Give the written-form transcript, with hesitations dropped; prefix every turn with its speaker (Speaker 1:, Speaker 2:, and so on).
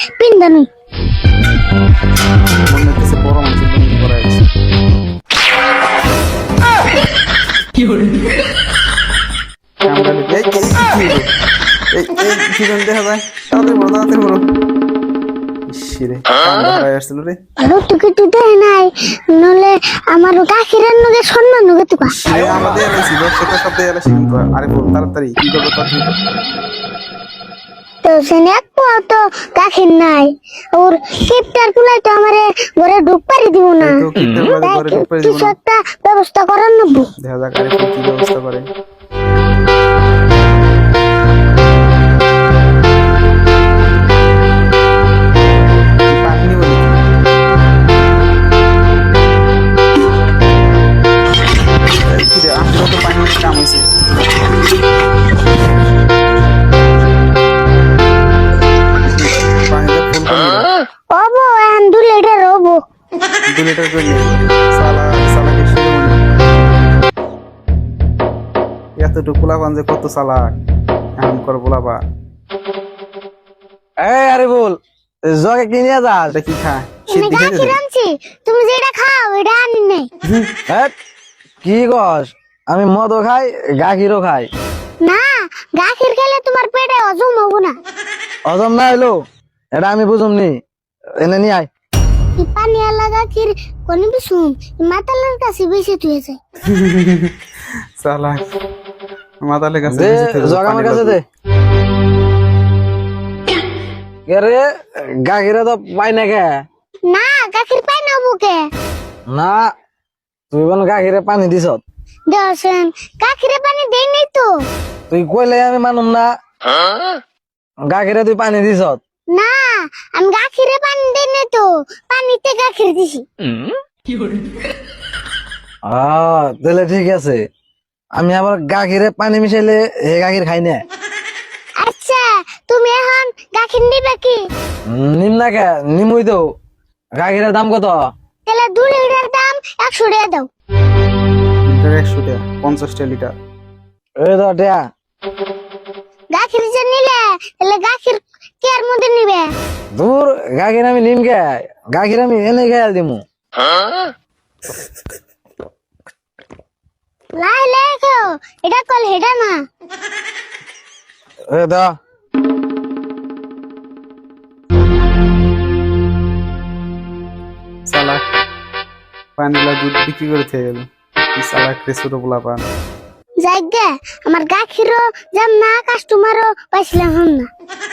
Speaker 1: পিন্দানুই
Speaker 2: মনে হচ্ছে বড় মানুষের পিন্ডি করা হয়েছে। কামড়ালে এই কি হলো? এই কি যেন দেখা যায়, তাড়াতাড়ি বড় ইসরে কামড়া হয়ে আসছিল রে।
Speaker 1: রুটুকে তুই নাই নলে আমার গাখিরের নগে সম্মান নগে তুকা
Speaker 2: সে আমাদের এলাইছি সেটা সব দিয়ে এলাইছি কিন্তু আরে বল তাড়াতাড়ি কি করবো তাড়াতাড়ি
Speaker 1: তো সেনে এক পোয়া তো গাখির নাই ওর কিপটার পুলাই তো আমারে ঘরে ঢুক পারি দিব না
Speaker 2: তো কিপটার পুলাই ঘরে ঢুক পারি দিব
Speaker 1: কিছু
Speaker 2: না।
Speaker 1: একটা ব্যবস্থা করার নব্বু
Speaker 2: দেখা যাক আরে কি ব্যবস্থা করে। পানি বলি কি রে আসলে তো পানি কাম হইছে। পানিটা ফুল করে
Speaker 1: ওবো এখন 2 লিটার ওবো
Speaker 2: 2 লিটার করে নিয়ে সালা সালাকে শুরু মনে এতটুকু পোলাপান যে কত চালাক এমন করে পোলাপা।
Speaker 3: এই আরে বল জগে কি নিয়ে যাস?
Speaker 2: এটা কি খায়
Speaker 1: আমি
Speaker 2: শীত দিকে
Speaker 1: গাখির আনছি তুমি যেটা খাও এটা আনি নাই
Speaker 3: হেৎ, কি কস? আমি মদও খাই গাখিরও খাই।
Speaker 1: না গাখির খেলে তোমার পেটে হজম হবো না
Speaker 3: হজম না হইলো এটা আমি বুঝুমনি। এনে নিয়ে আয়।
Speaker 1: এই পানি আলা গাখির কোন বিসুম মাতালের কাছে বেশি তুই যায়
Speaker 2: চালাক মাতালে কাছে
Speaker 3: দে
Speaker 2: বেশি থেকে
Speaker 3: জগ আমার
Speaker 2: পানি
Speaker 3: কাছে
Speaker 2: লাগবে।
Speaker 3: দে। কে রে গাখিরে তো পাই না কে?
Speaker 1: না গাখির পাই না বুকে
Speaker 3: না তুই কোন গাখিরে পানি দিছ?
Speaker 1: দেওয়াছেন গাখিরে পানি দেই নাই তো
Speaker 3: তুই কইলে আমি মানুম না। গাখিরে তুই পানি দিছ?
Speaker 1: না আমি গাখিরে পানি দেই নাই তো পানিতে গাখির দিছি
Speaker 3: তাহলে ঠিক আছে। আমি আবার গাখিরে পানি মিশাইলে হে গাখির খাই না।
Speaker 1: আচ্ছা তুমি এখন গাখির নিবে কি
Speaker 3: নিম না কে? নিমুই তো। গাখিরের দাম কত?
Speaker 1: তাহলে 2 লিটার দাম 100 টাকা দাও
Speaker 2: লিটার 100 টাকা 50 লিটার।
Speaker 3: এই তো টিয়া।
Speaker 1: গাখির যে নিলে তাহলে গাখির কেয়ার মধ্যে নিবে
Speaker 3: দূর গাখির আমি নিম কে? গাখির আমি এনে খেয়াল দিমু।
Speaker 1: লাই লাই খাও এটা কল হেডা না
Speaker 3: এই তো
Speaker 2: চালাক পানিলা দুধ বিক্রি করে থেকে গেল কি চালাক রে ছোট পোলাপান।
Speaker 1: যাইগে আমার গাখিরও যাম না কাস্টমারও পাইছিলাম না